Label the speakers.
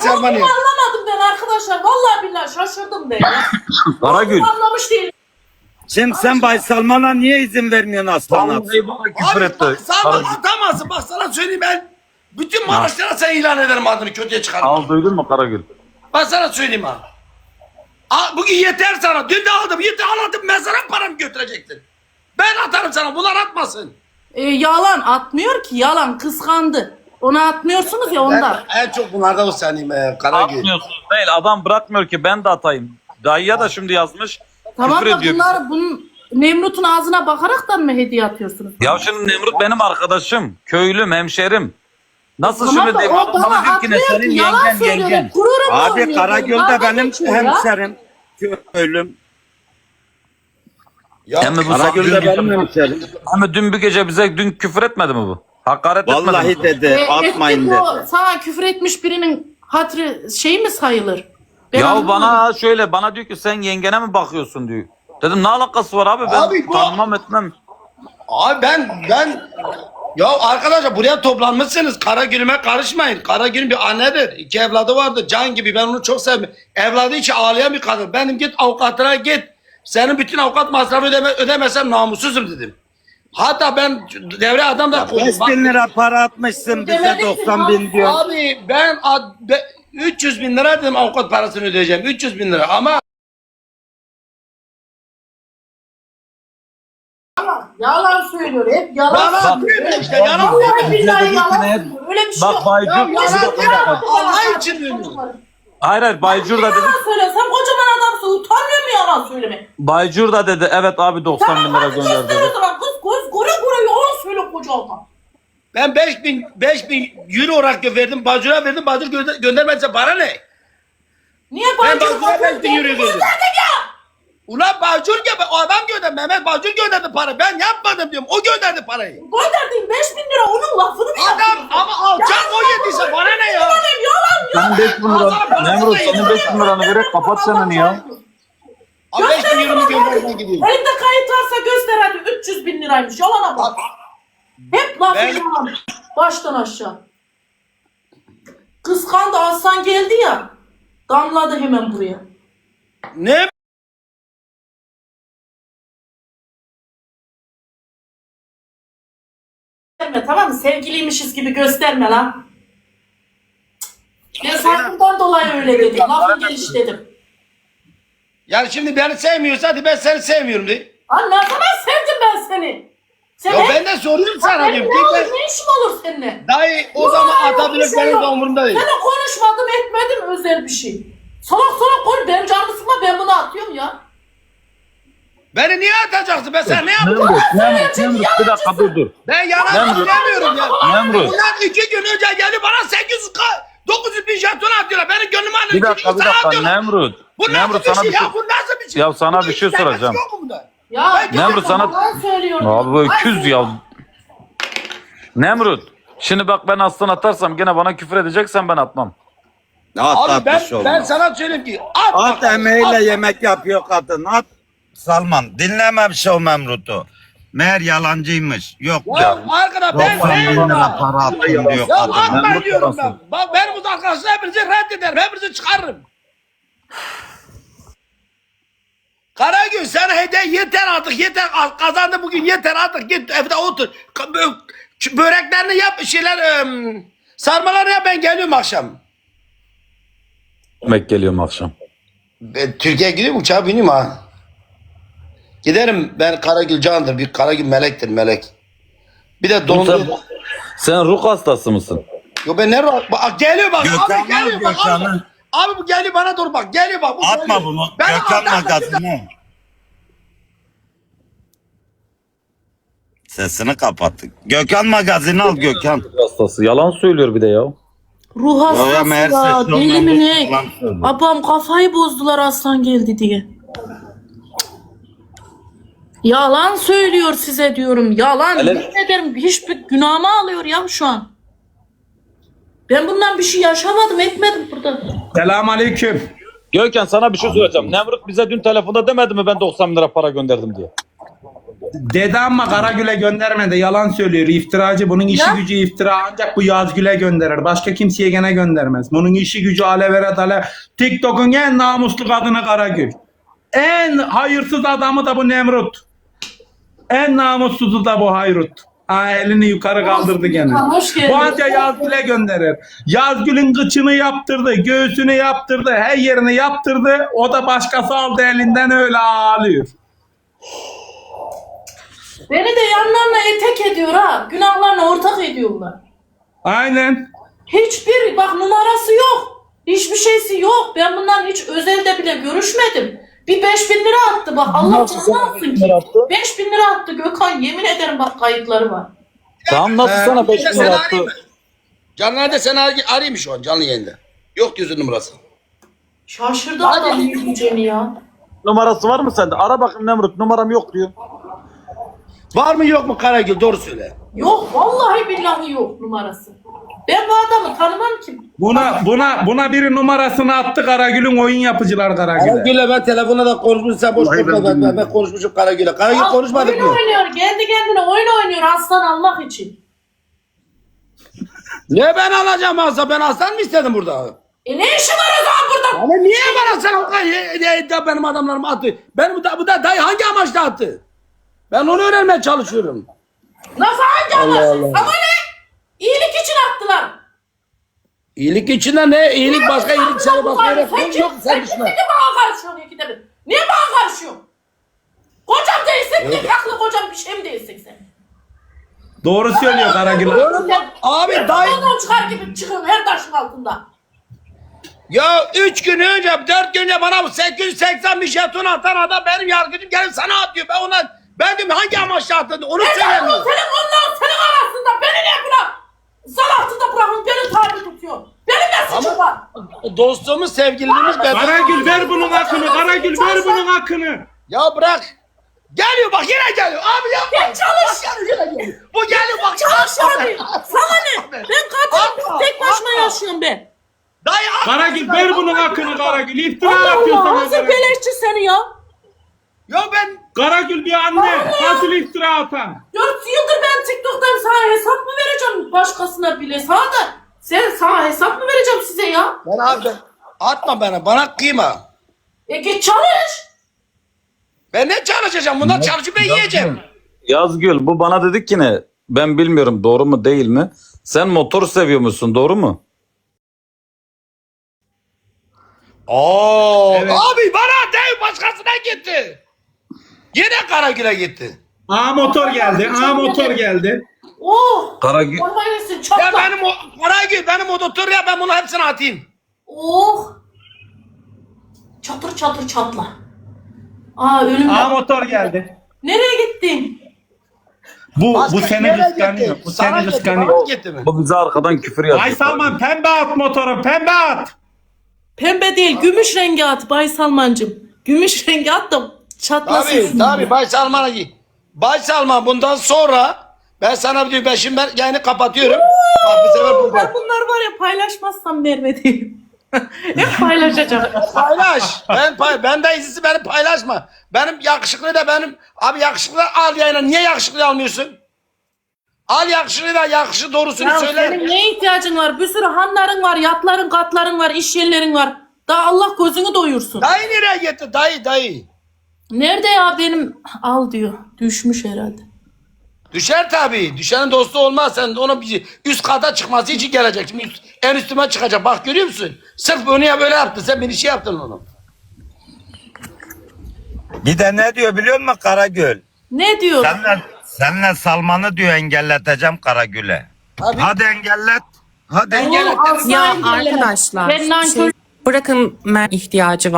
Speaker 1: Selman ya.
Speaker 2: Anlamadım ben arkadaşlar. Vallahi billahi şaşırdım ben ya.
Speaker 3: Karagül.
Speaker 2: Anlamış değilim.
Speaker 4: Şimdi sen Bay Salman'a niye izin vermiyorsun aslan at?
Speaker 3: Vallahi bana küfür
Speaker 1: Abi
Speaker 3: etti.
Speaker 1: bak Salman
Speaker 3: Karagül.
Speaker 1: atamazsın. Bak sana söyleyeyim ben. Bütün Maraşlara sen ilan ederim adını kötüye çıkarım.
Speaker 3: Al duydun mu Karagül?
Speaker 1: Ben sana söyleyeyim abi. Bugün yeter sana. Dün de aldım. Yeter aldım. Mezara paramı götürecektin. Ben atarım sana. Bunlar atmasın.
Speaker 2: Yalan atmıyor ki. Yalan kıskandı. Ona atmıyorsunuz ya ondan.
Speaker 1: Ben en çok bunlardan o senin Karagül.
Speaker 3: Atmıyorsunuz değil. Adam bırakmıyor ki ben de atayım. Dayıya da şimdi yazmış.
Speaker 2: Tamam
Speaker 3: küfür
Speaker 2: da
Speaker 3: ediyor
Speaker 2: bunlar bunun Nemrut'un ağzına bakaraktan mı hediye atıyorsunuz?
Speaker 3: Ya şimdi Nemrut benim arkadaşım. Köylüm, hemşerim. Nasıl
Speaker 2: Tamam
Speaker 3: şimdi
Speaker 2: da
Speaker 3: diyeyim?
Speaker 2: o bana
Speaker 3: Bana diyor ki ne
Speaker 2: atmıyor
Speaker 3: senin
Speaker 2: ki. Yalan
Speaker 3: yengen
Speaker 2: söylüyor.
Speaker 3: yengen.
Speaker 2: Gururum
Speaker 4: Abi
Speaker 2: oynuyor.
Speaker 4: Karagöl'de
Speaker 2: Dalga
Speaker 4: benim
Speaker 2: geçiyor ya.
Speaker 4: hemşerim. Köylüm.
Speaker 1: Ya
Speaker 3: Hem bu
Speaker 4: Karagöl'de benim hemşerim.
Speaker 3: Ama dün bir gece bize dün küfür etmedi mi bu? Hakaret etmedi mi?
Speaker 4: Vallahi dedi atmayın
Speaker 2: Etti bu
Speaker 4: dedi.
Speaker 2: sana küfür etmiş birinin hatırı şey mi sayılır? Ben
Speaker 3: Ya
Speaker 2: anlamadım.
Speaker 3: bana şöyle bana diyor ki sen yengene mi bakıyorsun diyor. Dedim ne alakası var abi ben
Speaker 1: Abi bu-
Speaker 3: tanımam etmem.
Speaker 1: Abi ben ya arkadaşlar buraya toplanmışsınız. Karagül'üme karışmayın. Karagül bir annedir. 2 evladı vardı. Can gibi. Ben onu çok sevdim. Evladı için ağlayan bir kadın. Benim git avukatına git. Senin bütün avukat masrafı ödemesen namussuzum dedim. Hatta ben devre adam da koydum.
Speaker 4: 5000 lira para atmışsın bize
Speaker 2: Demedik ki
Speaker 4: 90 bin diyor.
Speaker 1: Abi ben 300 bin lira dedim avukat parasını ödeyeceğim. 300 bin lira ama
Speaker 2: Yalan söylüyor hep yalan.
Speaker 1: bana
Speaker 2: söylüyor.
Speaker 1: atmıyor işte yalan
Speaker 2: Vallahi billahi yalan
Speaker 3: Hep-
Speaker 2: söylüyor. Öyle bir şey
Speaker 3: Bak
Speaker 2: yok.
Speaker 3: Baycur,
Speaker 1: Ya yalan
Speaker 3: bir
Speaker 1: ya.
Speaker 3: dakika.
Speaker 1: Allah için diyorum.
Speaker 3: Hayır Baycur da dedi.
Speaker 2: Yalan söyle. Sen kocaman adamsın. Utanmıyor mu yalan söyleme?
Speaker 3: Baycur da dedi evet abi 90 bin lira
Speaker 2: hadi
Speaker 3: gönder
Speaker 2: göster
Speaker 3: dedi.
Speaker 2: o zaman. Kız göre yalan söyle kocaman.
Speaker 1: Ben 5000 euro olarak verdim. Bacur'a verdim. Bacur göndermezse para ne?
Speaker 2: Niye
Speaker 1: Ben
Speaker 2: Baycur'a
Speaker 1: Bacur'a 5000 euro
Speaker 2: gönderdin
Speaker 1: verdim.
Speaker 2: ya?
Speaker 1: Ulan Bacur gibi o adam gönderdi. Mehmet Bacur gönderdi para. Ben yapmadım diyorum. O gönderdi parayı.
Speaker 2: Gönderdiğin 5000 lira onun lafını mı
Speaker 1: Adam
Speaker 2: yapıyorsun?
Speaker 1: ama alçak o yediyse bana ne ya?
Speaker 2: Yalan
Speaker 3: Senin 5 bin lira. Nemrut senin 5 bin liranı vererek kapat çeneni ya.
Speaker 1: Abi 5000 euro göndermeye gidiyorum.
Speaker 2: Elimde kayıt varsa göster hadi 300 bin liraymış. Yalana bak. Hep lafı
Speaker 1: Ben-
Speaker 2: yalan. Baştan aşağı. Kıskandı Aslan geldi ya. Damladı hemen buraya.
Speaker 1: Ne?
Speaker 2: Gösterme tamam mı? Sevgiliymişiz gibi gösterme lan. Ben saygımdan dolayı öyle dedim. Lafın geliş dedim.
Speaker 1: Yani şimdi beni sevmiyorsa hadi ben seni sevmiyorum de.
Speaker 2: Lan ne zaman sevdim ben seni? Sen
Speaker 1: Ya
Speaker 2: hep-
Speaker 1: ben de soruyorum sana
Speaker 2: Benim
Speaker 1: diyorum.
Speaker 2: ne olur
Speaker 1: Tekrar-
Speaker 2: ne işim olur seninle?
Speaker 1: Dayı o zaman
Speaker 2: Yok,
Speaker 1: atabilir
Speaker 2: bir şey
Speaker 1: benim de
Speaker 2: yok.
Speaker 1: umurumda değil.
Speaker 2: Ben konuşmadım etmedim özel bir şey. Salak konuş benim canımı sıkma ben bunu atıyorum ya.
Speaker 1: Beni niye atacaksın? Ben sana ne yaptım?
Speaker 3: Nemrut bir dakika dur.
Speaker 1: Ben yalan
Speaker 3: Nemrut.
Speaker 1: söylemiyorum ya.
Speaker 3: Nemrut.
Speaker 1: Bunlar 2 gün önce geldi bana 900 bin jeton atıyorlar. Benim gönlümü alın.
Speaker 3: Bir dakika Nemrut.
Speaker 1: Bu nasıl
Speaker 3: Nemrut
Speaker 1: bir
Speaker 3: sana
Speaker 1: şey
Speaker 3: bir şey.
Speaker 1: ya? Bu nasıl bir şey?
Speaker 3: Ya sana
Speaker 1: Bunda
Speaker 3: bir şey
Speaker 1: hiç alakası
Speaker 3: soracağım.
Speaker 1: yok mu bunda?
Speaker 2: Ya
Speaker 3: Nemrut sana-
Speaker 2: yalan söylüyorum.
Speaker 3: Abi bu öküz
Speaker 2: Ay,
Speaker 3: ya. Nemrut. Şimdi bak ben aslan atarsam gene bana küfür edeceksen ben atmam.
Speaker 4: At
Speaker 1: Abi
Speaker 4: atmış
Speaker 1: ben
Speaker 4: olmaz.
Speaker 1: sana söyleyeyim ki at.
Speaker 4: At emeğiyle yemek yapıyor kadın at. Salman dinlememiş o Memrut'u. Meğer yalancıymış. Yok
Speaker 1: Ya arkadaş ben
Speaker 4: 90 bin
Speaker 1: sevmiyorum.
Speaker 4: lira para attım diyor
Speaker 1: Ya
Speaker 4: kadın.
Speaker 1: atma
Speaker 3: Memnun
Speaker 1: diyorum ben.
Speaker 3: parası.
Speaker 1: Bak benim bu arkadaşlar hepinizi reddederim. Hepinizi çıkarırım. Karagül sana hediye yeter artık yeter. Kazandı bugün yeter artık. Git evde otur. Böreklerini yap şeyler sarmalarını yap ben geliyorum akşam.
Speaker 3: Yemek geliyorum akşam.
Speaker 1: Ben Türkiye'ye gidiyorum uçağa bineyim ha. Giderim ben Karagül candır. Bir Karagül melektir melek. Bir de
Speaker 3: Sen,
Speaker 1: dondu.
Speaker 3: sen ruh hastası mısın?
Speaker 1: Yo ben ne bak geliyor bak.
Speaker 4: Gökhan'ı
Speaker 1: Abi geliyor bak.
Speaker 4: Gökhan'ı.
Speaker 1: Abi bu geliyor bana doğru bak. Geliyor bak. Bu
Speaker 4: Atma
Speaker 1: geliyor.
Speaker 4: bunu.
Speaker 1: Ben
Speaker 4: Gökhan
Speaker 1: atarım.
Speaker 4: magazini. Sesini kapattık. Gökhan magazini al Gökhan.
Speaker 3: Ruh hastası. Yalan söylüyor bir de ya.
Speaker 2: Ruh
Speaker 4: Ya
Speaker 2: hastası
Speaker 4: meğer
Speaker 2: ya.
Speaker 4: sesli
Speaker 2: Deli
Speaker 4: olmayan
Speaker 2: mi
Speaker 4: bu
Speaker 2: ne?
Speaker 4: yalan söylüyor.
Speaker 2: Abam kafayı bozdular aslan geldi diye. Yalan söylüyor size diyorum. Yalan.
Speaker 3: Hele-
Speaker 2: Yemin ederim hiçbir günahımı alıyor ya şu an. Ben bundan bir şey yaşamadım etmedim burada.
Speaker 5: Dede ama Karagül'e göndermedi. Yalan söylüyor. İftiracı. Bunun işi
Speaker 2: Ya.
Speaker 5: gücü iftira ancak bu Yazgül'e gönderir. Başka kimseye gene göndermez. Bunun işi gücü alevere dale. TikTok'un en namuslu kadını Karagül. En hayırsız adamı da bu Nemrut. En namussuzu da bu Hayrut. Ha, elini yukarı kaldırdı gene.
Speaker 2: Hoş geldin.
Speaker 5: Bu anca Yazgül'e gönderir. Yazgül'ün kıçını yaptırdı, göğsünü yaptırdı, her yerini yaptırdı. O da başkası aldı elinden öyle ağlıyor.
Speaker 2: Beni de yanlarına etek ediyor ha. Günahlarına ortak ediyorlar.
Speaker 5: Aynen.
Speaker 2: Hiçbir bak numarası yok. Hiçbir şeysi yok. Ben bundan hiç özelde bile görüşmedim. Bir 5.000 lira attı bak. Allah canını alsın ki. 5.000 lira attı Gökhan. Yemin ederim bak kayıtları var.
Speaker 3: Tamam nasıl sana 5
Speaker 1: Seni
Speaker 3: lira
Speaker 1: arayayım
Speaker 3: attı?
Speaker 1: mı? Canlı nerede seni arayayım mı şu an canlı yayında? Yok diyorsun numarası.
Speaker 2: Şaşırdı adam yürüyeceğini ya.
Speaker 3: Numarası var mı sende? Ara bakayım Nemrut, numaram yok diyor.
Speaker 1: Var mı yok mu Karagül doğru söyle.
Speaker 2: Yok vallahi billahi yok numarası. Ben bu adamı tanımam ki.
Speaker 5: Buna biri numarasını attı Karagül'ün oyun yapıcılar Karagül'e.
Speaker 1: Karagül'le ben telefona da konuşmuşum sen boş konuşma ben konuşmuşum Karagül'le. Karagül
Speaker 2: Al,
Speaker 1: konuşmadık
Speaker 2: oyun
Speaker 1: mı?
Speaker 2: oynuyor. Kendi kendine oyun oynuyor aslan almak için.
Speaker 1: Ne ben alacağım Aslan? Ben aslan mı istedim burada?
Speaker 2: Ne işi var o zaman burada?
Speaker 1: Ama niye bana sen o kadar benim adamlarım attı? Ben bu da dayı hangi amaçla attı? Ben onu öğrenmeye çalışıyorum.
Speaker 2: Nasıl hangi amaçlı? Ama ne? İyilik için attılar.
Speaker 1: İyilik içinde ne? İyilik başka iyilik sana bakıyor. Yok sen düşme.
Speaker 2: Niye bana karışıyorsun ikide bir? Niye bana karışıyorsun? Kocam değilsin, tek haklı kocam bir şey mi değilsin sen?
Speaker 5: Doğru söylüyor Karagül.
Speaker 1: Abi dayı.
Speaker 2: Ondan çıkar gibi çıkın her taşın altında.
Speaker 1: Ya 3 gün önce 4 gün önce bana bu 880 bir jeton atan adam benim yargıcım gelip sana atıyor. Ben diyorum hangi amaçla attın onu söylemiyor.
Speaker 2: Senin arasında beni ne bırak? Zan altında bırakın beni tabi tutuyor. Benim ne suçum var?
Speaker 1: Dostluğumuz sevgililiğimiz ben.
Speaker 5: Karagül ver bunun hakkını. Karagül ver bunun hakkını.
Speaker 1: Ya bırak. Geliyor bak yine geliyor. Abi yapma.
Speaker 2: Gel çalış.
Speaker 1: Bak geliyor yine geliyor. Bu geliyor bak.
Speaker 2: Çalış abi. Sana ne? Ben katilim tek başıma yaşıyorum ben.
Speaker 1: Dayı abi.
Speaker 5: Karagül ver bunun hakkını Karagül. İftira
Speaker 2: Allah
Speaker 5: atıyor
Speaker 2: Allah
Speaker 5: sana.
Speaker 2: nasıl
Speaker 5: Karagül.
Speaker 2: beleşçi seni ya?
Speaker 1: Ya ben.
Speaker 5: Karagül bir anne. Nasıl iftira atan?
Speaker 2: 4 yıldır ben TikTok'tan sana hesap mı vereceğim başkasına bile? Sana hesap mı vereceğim size ya?
Speaker 1: Ben abi atma bana kıyma.
Speaker 2: Git çalış.
Speaker 1: Ben ne çalışacağım? Bundan çalışıp ben yiyeceğim.
Speaker 3: Yazgül bu bana dedi ki ne? Ben bilmiyorum doğru mu değil mi? Sen motor seviyor musun doğru mu?
Speaker 1: Oo.
Speaker 5: Evet.
Speaker 1: Abi bana değil başkasına gitti. Yine Karagül'e gitti.
Speaker 5: A motor geldi. A motor geldi.
Speaker 2: Oh.
Speaker 3: Karagül.
Speaker 2: Olmayasın
Speaker 1: Ya
Speaker 2: çatla.
Speaker 1: Karagül benim ototur ya ben bunu hepsini atayım.
Speaker 2: Oh. Çatır çatır çatla. Aa ölüm.
Speaker 5: A motor geldi.
Speaker 2: Nereye gittin?
Speaker 5: Bu seni
Speaker 1: nereye
Speaker 5: kıskanıyor.
Speaker 1: gitti?
Speaker 5: Bu
Speaker 1: Sana
Speaker 5: seni
Speaker 1: gitti,
Speaker 5: kıskanıyor.
Speaker 1: bana gitti mi?
Speaker 3: Bu bize arkadan küfür yazıyor.
Speaker 5: Ay Salman pembe at motoru. Pembe at.
Speaker 2: Pembe değil gümüş rengi at Bay Salmancığım. Gümüş rengi at da çatlasın.
Speaker 1: Tabii Bay Salman'a git. Bay Salman bundan sonra ben sana diyor ben yayını kapatıyorum. Bak bu sefer bu
Speaker 2: Ben bunlar var ya paylaşmazsam vermediğim. Hep paylaşacağım.
Speaker 1: paylaş. Ben de izlisi beni paylaşma. Benim yakışıklı da abi yakışıklı al yayına. Niye yakışıklı almıyorsun? Al yakışıklı da yakışı doğrusunu
Speaker 2: Ya
Speaker 1: söyle.
Speaker 2: senin ne ihtiyacın var? Bir sürü hanların var, yatların, katların var, iş yerlerin var. Daha Allah gözünü doyursun.
Speaker 1: Dayı nereye gitti? Dayı.
Speaker 2: Nerede ya benim? Al diyor. Düşmüş herhalde.
Speaker 1: Düşer tabii. Düşenin dostu olmaz. Sen de ona bir üst kata çıkması için gelecek. Şimdi en üstüme çıkacak. Bak görüyor musun? Sırf bunu ya böyle yaptın. Sen beni şey yaptın onu.
Speaker 4: Bir de ne diyor biliyor musun Karagül?
Speaker 2: Ne diyor?
Speaker 4: Senle Salman'ı diyor engelleteceğim Karagül'e.
Speaker 1: Abi.
Speaker 4: Hadi engellet. Hadi.
Speaker 1: Engellet.
Speaker 2: Asla
Speaker 6: Ya
Speaker 2: engelleme.
Speaker 6: arkadaşlar
Speaker 2: Ben nankör
Speaker 6: bırakın ihtiyacı var.